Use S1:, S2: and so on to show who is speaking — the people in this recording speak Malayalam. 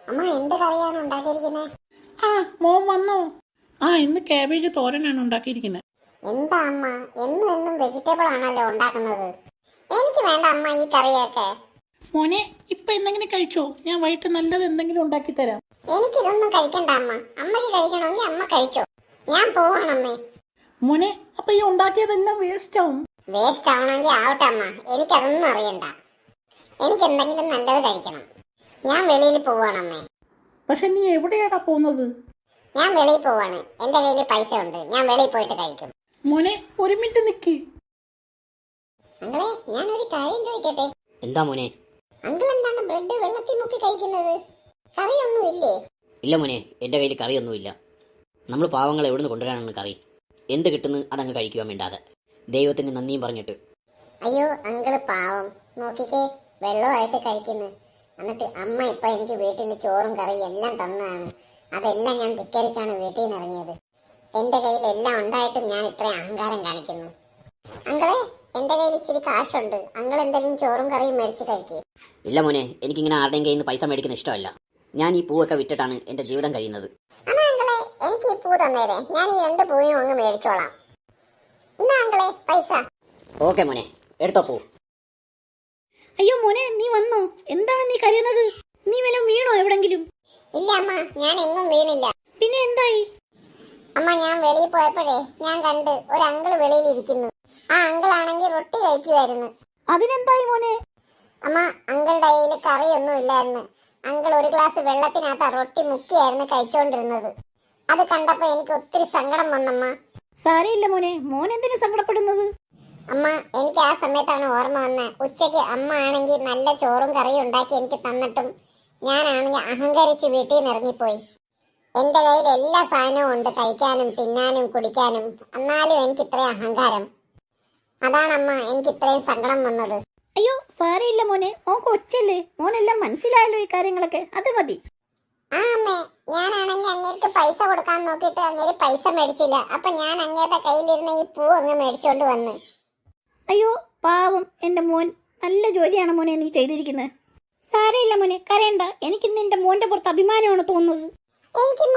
S1: അമ്മ എന്ത് കറിയാണ് ഉണ്ടാക്കിയിരിക്കുന്നത്?
S2: ആ മോൻ വന്നോ? ഇന്ന് കാബേജ് തോരനാണ് ഉണ്ടാക്കിയിരിക്കുന്നത്.
S1: എന്താ അമ്മ എന്നും എന്നും വെജിറ്റബിൾ ആണല്ലോ ഉണ്ടാക്കുന്നത്? എനിക്ക് വേണ്ട അമ്മ ഈ കറിയൊക്കെ.
S2: മോനെ ഇപ്പൊ എന്തെങ്കിലും കഴിച്ചോ? ഞാൻ വൈകിട്ട് നല്ലത് എന്തെങ്കിലും ഉണ്ടാക്കി തരാം.
S1: എനിക്കിതൊന്നും കഴിക്കണ്ട അമ്മ. അമ്മയ്ക്ക് കഴിക്കണമെങ്കിൽ അമ്മ കഴിച്ചോ. ഞാൻ പോവാണമ്മേ.
S2: മോനെ അപ്പൊ ഈ ഉണ്ടാക്കിയതെല്ലാം വേസ്റ്റ് ആവും.
S1: വേസ്റ്റ് ആവണമെങ്കിൽ ആവട്ടെ അമ്മ, എനിക്കതൊന്നും അറിയണ്ട. എനിക്ക് എന്തെങ്കിലും നല്ലത് കഴിക്കണം. ഞാൻ വെളിയിൽ പോവാണമ്മേ.
S2: പക്ഷെ നീ എവിടെയാടാ പോകുന്നത്?
S1: ഞാൻ വെളിയിൽ പോവാണ്. എന്റെ കയ്യിൽ പൈസ ഉണ്ട്. ഞാൻ വെളിയിൽ പോയിട്ട് കഴിക്കും.
S2: മോനെ ഒരു മിനിറ്റ് നിക്ക്.
S1: അങ്ങളെ ഞാനൊരു കാര്യം ചോദിക്കട്ടെ?
S3: എന്താ മോനെ?
S1: അങ്കിൾ എന്താണ് ബ്രെഡ് വെള്ളത്തിൽ മുക്കി കഴിക്കുന്നത്? കറിയൊന്നും ഇല്ലേ?
S3: ഇല്ല മോനെ, എൻ്റെ കയ്യിൽ കറിയൊന്നുമില്ല. നമ്മൾ പാവങ്ങൾ എവിടുന്ന് കൊണ്ടുവരാനാണ് കറി? എന്ത് കിട്ടുന്നു അതങ്ങ് കഴിക്കുവാൻ വേണ്ടാതെ. ദൈവത്തിന് നന്ദിയും പറഞ്ഞിട്ട്.
S1: അയ്യോ അങ്കിള് പാവം, നോക്കിക്കേ വെള്ളമായിട്ട് കഴിക്കുന്നു. എന്നിട്ട് അമ്മ ഇപ്പൊ എനിക്ക് വീട്ടിൽ ചോറും കറിയും എല്ലാം തന്നതാണ്. അതെല്ലാം ഞാൻ ധിക്കരിച്ചാണ് വീട്ടിൽ നിന്ന് ഇറങ്ങിയത്. എന്റെ കയ്യിൽ എല്ലാം ഉണ്ടായിട്ടും ഞാൻ ഇത്രയും അഹങ്കാരം കാണിക്കുന്നു. അങ്കിളെ എന്റെ കയ്യിൽ ഇച്ചിരി കാശുണ്ട്. അങ്കിൾ എന്തെങ്കിലും ചോറും കറിയും മേടിച്ച് കഴിക്കുക.
S3: ഇല്ല മോനെ, എനിക്കിങ്ങനെ ആരുടെയും കയ്യിൽ നിന്ന് പൈസ മേടിക്കുന്ന ഇഷ്ടമല്ല. ഞാൻ ഈ പൂവൊക്കെ വിറ്റിട്ടാണ് എൻ്റെ ജീവിതം കഴിയുന്നത്.
S1: അമ്മ അങ്കിളെ എനിക്ക് ഈ പൂ തന്നേരെ. ഞാൻ ഈ 2 പൂവും അങ്ങ് മേടിച്ചോളാം. ഇന്നാ അങ്കിളെ പൈസ.
S3: ഓക്കെ മോനെ, എടുത്തോ പൂ.
S2: അയ്യോ മോനെ നീ വന്നോ? എന്താണ് നീ കരയുന്നത്? നീ വല്ലതും വീണോ എവിടെങ്കിലും?
S1: ഇല്ല അമ്മ, ഞാൻ എങ്ങും വീണില്ല.
S2: പിന്നെ എന്തായി?
S1: അമ്മ ഞാൻ വെളിയിൽ പോയപ്പോഴേ ഞാൻ കണ്ട് ഒരു അങ്കിൾ വെളിയിൽ ഇരിക്കുന്നു. ആ അങ്കിൾ ആണെങ്കിൽ റൊട്ടി കഴിക്കുമായിരുന്നു.
S2: അതിനെന്തായി മോനെ?
S1: അമ്മ അങ്കിളുടെ കയ്യിൽ കറിയൊന്നും ഇല്ലായിരുന്നു. അങ്കിൾ ഒരു ഗ്ലാസ് വെള്ളത്തിനകത്ത് റൊട്ടി മുക്കിയായിരുന്നു കഴിച്ചോണ്ടിരുന്നത്. അത് കണ്ടപ്പോ എനിക്ക് ഒത്തിരി സങ്കടം വന്നമ്മ.
S2: സാരയില്ല മോനെ, മോൻ എന്തിനു സങ്കടപ്പെടുന്നത്?
S1: അമ്മ എനിക്ക് ആ സമയത്താണ് ഓർമ്മ വന്നത്. ഉച്ചയ്ക്ക് അമ്മ ആണെങ്കിൽ നല്ല ചോറും കറിയും ഉണ്ടാക്കി എനിക്ക് തന്നിട്ടും ഞാനാണെങ്കിൽ അഹങ്കരിച്ച് വീട്ടിൽ നിന്ന് ഇറങ്ങിപ്പോയി. എന്റെ കയ്യിൽ എല്ലാ സാധനവും ഉണ്ട്, കഴിക്കാനും തിന്നാനും കുടിക്കാനും. എന്നാലും എനിക്ക് ഇത്രയും അഹങ്കാരം. അതാണമ്മ എനിക്ക് ഇത്രയും സങ്കടം വന്നത്.
S2: അയ്യോ സാരയില്ല മോനെ, മോൻ കൊച്ചല്ലേ, മോനെല്ലാം മനസ്സിലായല്ലോ ഈ കാര്യങ്ങളൊക്കെ, അത് മതി.
S1: ആ അമ്മേ, ഞാനാണെങ്കിൽ അങ്ങേർക്ക് പൈസ കൊടുക്കാൻ നോക്കിയിട്ട് അങ്ങേര് പൈസ മേടിച്ചില്ല. അപ്പൊ ഞാൻ അങ്ങേരുടെ കയ്യിലിരുന്ന ഈ പൂ അങ്ങ് മേടിച്ചോണ്ട് വന്ന്.
S2: അയ്യോ പാവം എന്റെ മോൻ, നല്ല ജോലിയാണ് മോനെ നീ ചെയ്തിരിക്കുന്നത്. സാരയില്ല മോനെ, കരയണ്ട. എനിക്ക് നിന്റെ മോന്റെ പുറത്ത് അഭിമാനമാണ് തോന്നുന്നത്.
S1: എനിക്ക്